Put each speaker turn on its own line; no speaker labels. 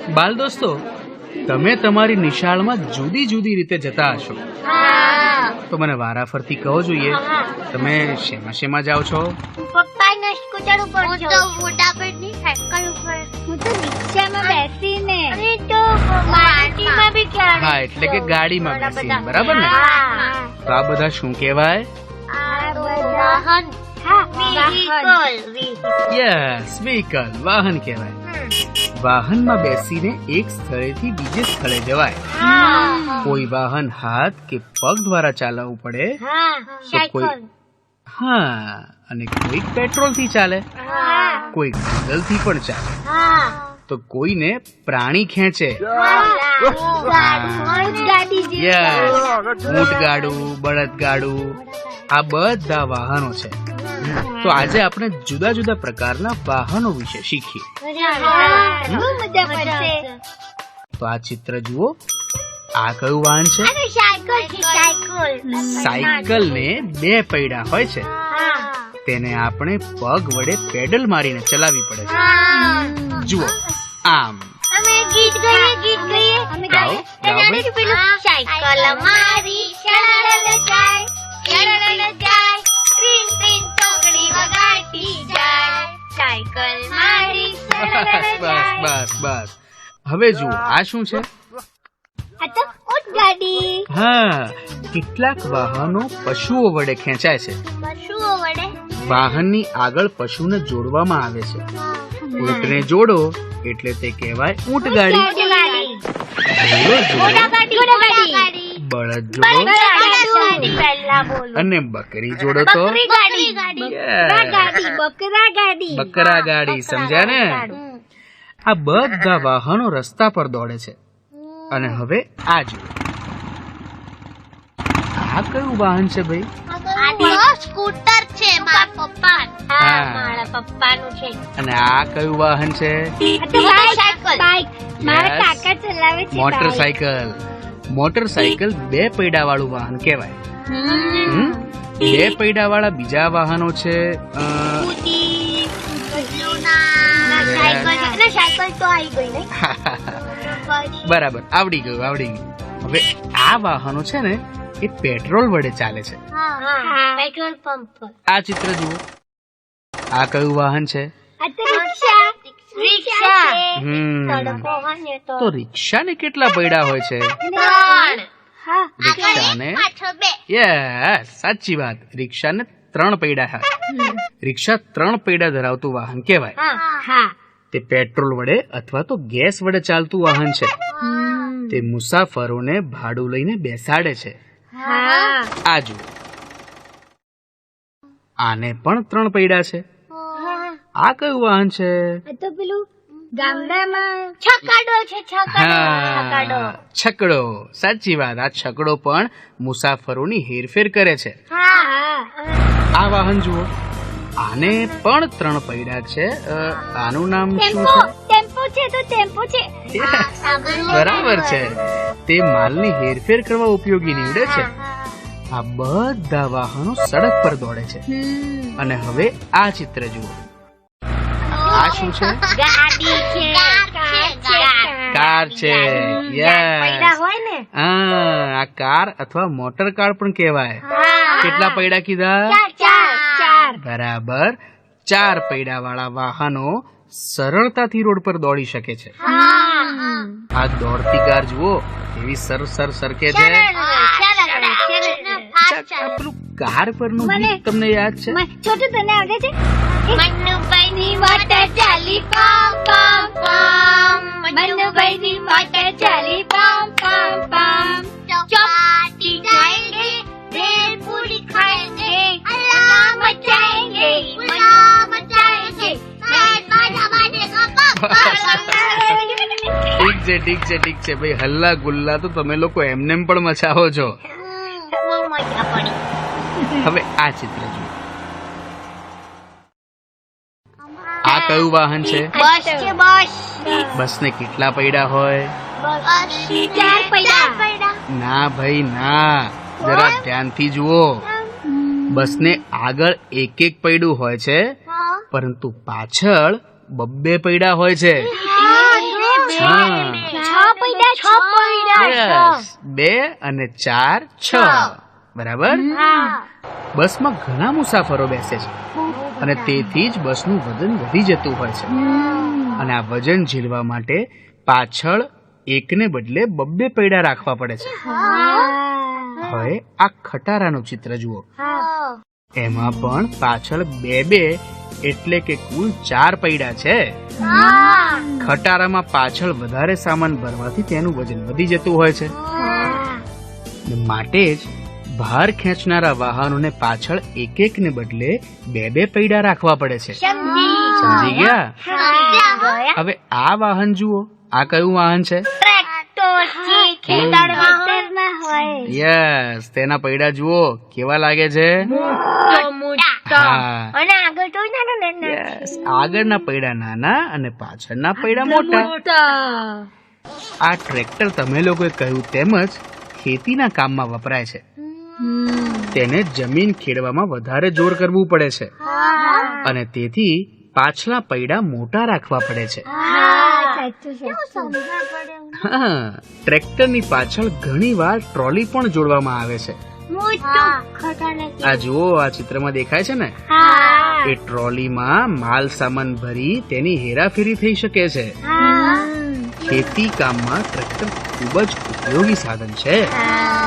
બાલ દોસ્તો, તમે તમારી નિશાળમાં જુદી જુદી રીતે જતા હશો, તો મને વારાફરતી કહો જોઈએ, તમે શેમાં શેમાં જાઓ છો?
પપ્પાના સ્કૂટર ઉપર હું તો મોટાભાઈની સાયકલ ઉપર, હું તો રિક્ષામાં બેસીને, અને તો માટીમાં બી ક્યારે.
હા, એટલે કે ગાડીમાં બેસીને, બરાબર ને? તો આ બધા શું કહેવાય?
વાહન.
યસ, વ્હીકલ, વાહન કહેવાય. વાહનમાં બેસીને એક સ્થળેથી બીજે સ્થળે જવાય. કોઈ વાહન હાથ કે પગ દ્વારા ચાલવું પડે તો કોઈ, હા, અને કોઈક પેટ્રોલ થી ચાલે, કોઈક ડીઝલ થી પણ ચાલે, તો કોઈને પ્રાણી ખેંચે. ઊંટ ગાડું, બળદ ગાડું, આ બધા વાહનો છે. તો આજે આપણે જુદા જુદા પ્રકારના વાહનો વિશે શીખીએ. તો આ ચિત્ર જુઓ, આ કયું વાહન છે? સાયકલ ને બે પૈડા હોય છે, તેને આપણે પગ વડે પેડલ મારીને ચલાવવી પડે છે. જુઓ, આમ.
ગીત ગાઈએ.
ગાઓ, ગાઓ ભાઈ.
સાયકલ મારી શરળ જાય, શરળ જાય, ટ્રીન ટ્રીન ચોકડી વગાડતી જાય, સાયકલ મારી શરળ
બસ
જાય.
બસ બસ. હવે જુઓ, આ શું છે?
આ તો ઊંટ ગાડી.
હા, કેટલાક વાહનો પશુઓ વડે ખેંચાય છે.
પશુઓ વડે.
વાહનની આગળ પશુને જોડવામાં આવે છે. ઊંટને જોડો એટલે તે કહેવાય ઊંટ ગાડી. બળદ જોડો અને બકરી જોડો તો બકરા ગાડી. સમજ્યા ને? આ બધા વાહનો રસ્તા પર દોડે છે. અને હવે આ જુઓ, આ કયું વાહન છે ભાઈ?
સ્કૂટર છે મારા પપ્પા.
હા,
મારા પપ્પાનું છે.
અને આ કયું વાહન છે?
મારા કાકા ચલાવે છે.
મોટરસાયકલ. મોટરસાયકલ બે પૈડા વાળું વાહન કહેવાય. બે પૈડા વાળા બીજા વાહનો છે
સાયકલ તો આવી ગઈ ને.
બરાબર, આવડી ગયું. હવે આ વાહનો છે ને, એ પેટ્રોલ વડે ચાલે છે.
પેટ્રોલ પંપ પર.
આ ચિત્ર જુઓ, આ કયું વાહન છે? તો રિક્ષાને કેટલા પૈડા હોય છે? રિક્ષાને, યસ, સાચી વાત, રિક્ષાને 3 પૈડા હોય. રિક્ષા 3 પૈડા ધરાવતું વાહન કહેવાય. તે પેટ્રોલ વડે અથવા તો ગેસ વડે ચાલતું વાહન છે. તે મુસાફરોને ભાડું લઈને બેસાડે છે. આ જુઓ, આને પણ 3 પૈડા છે. આ કયું વાહન છે?
તો પેલું ગામડામાં છકડો છે.
હા, છકડો, સાચી વાત. આ છકડો પણ મુસાફરોની હેરફેર કરે છે. આ વાહન જુઓ, આને પણ 3 પૈડા છે. આનું નામ શું છે?
ટેમ્પો છે.
બરાબર છે. તે માલની હેરફેર કરવા ઉપયોગી નીવડે છે. આ બધા વાહનો સડક પર દોડે છે. અને હવે આ ચિત્ર જુઓ, આ શું છે?
ગાડી છે.
કાર છે. આ કાર અથવા મોટર કાર પણ કહેવાય. કેટલા પૈડા કીધા?
4.
બરાબર, 4 પૈડા વાળા વાહનો સરળતાથી રોડ પર દોડી શકે છે. આ દોડતી કાર જુઓ, એવી સરકે છે. પેલું કાર પરનું ગીત તમને યાદ છે?
છોટું, તને આવડે છે? મન્નુભાઈની મોટર ચાલી પમ પમ પમ, મન્નુભાઈની મોટર ચાલી પમ પમ પમ, ચોપાટી જાયેંગે, ભેળ પૂરી ખાएंगे, अल्लाह मचाएंगे, उल्लाह मचाएंगे, बैंड बाजा बाजेगा पम
ઠીક છે ભાઈ. હલ્લા ગુલ્લા તો તમે લોકો એમને પણ મચાવો છો.
બહુ મજા પડી.
હવે આ ચિત્ર જુઓ, આ કયું વાહન છે?
બસ છે. બસ.
બસને કેટલા પૈડા હોય?
4 પૈડા.
ના ભાઈ ના, જરા ધ્યાનથી જુઓ. બસને આગળ એક પૈડું હોય છે, પરંતુ પાછળ 2 પૈડા હોય છે. હા, Yes. 2 અને 4 6 બરાબર. બસમાં ઘણા મુસાફરો બેસે છે અને તેથી જ બસનું વજન વધી જતું હોય છે અને આ વજન ઝીલવા માટે પાછળ એકને બદલે 2 પૈડા રાખવા પડે છે. હવે આ ખટારાનું ચિત્ર જુઓ. એમાં પણ પાછળ 2 એટલે કે કુલ 4 પૈડા છે. ખટારામાં પાછળ વધારે સામાન ભરવાથી તેનું વજન વધી જતું હોય છે. માટે જ ભાર ખેંચનારા વાહનોને પાછળ એક ને બદલે 2 પૈડા રાખવા પડે છે. સમજી ગયા? હવે આ વાહન જુઓ. આ કયું વાહન છે? યસ. તેના પૈડા જુઓ કેવા લાગે છે. આગળના પૈડા નાના અને પાછળના પૈડા મોટા. આ ટ્રેક્ટર તમે લોકોએ કહ્યું તેમજ ખેતીના કામમાં વપરાય છે. તેને જમીન ખેડવામાં વધારે જોર કરવું પડે છે અને તેથી પાછલા પૈડા મોટા રાખવા પડે છે. ટ્રેક્ટરની પાછળ ઘણી વાર ટ્રોલી પણ જોડવામાં આવે છે. આ જુઓ, આ ચિત્રમાં દેખાય છે ને, એ ટ્રોલીમાં માલ સામાન ભરી તેની હેરાફેરી થઈ શકે છે. ખેતી કામમાં ટ્રેક્ટર ખૂબ જ ઉપયોગી સાધન છે.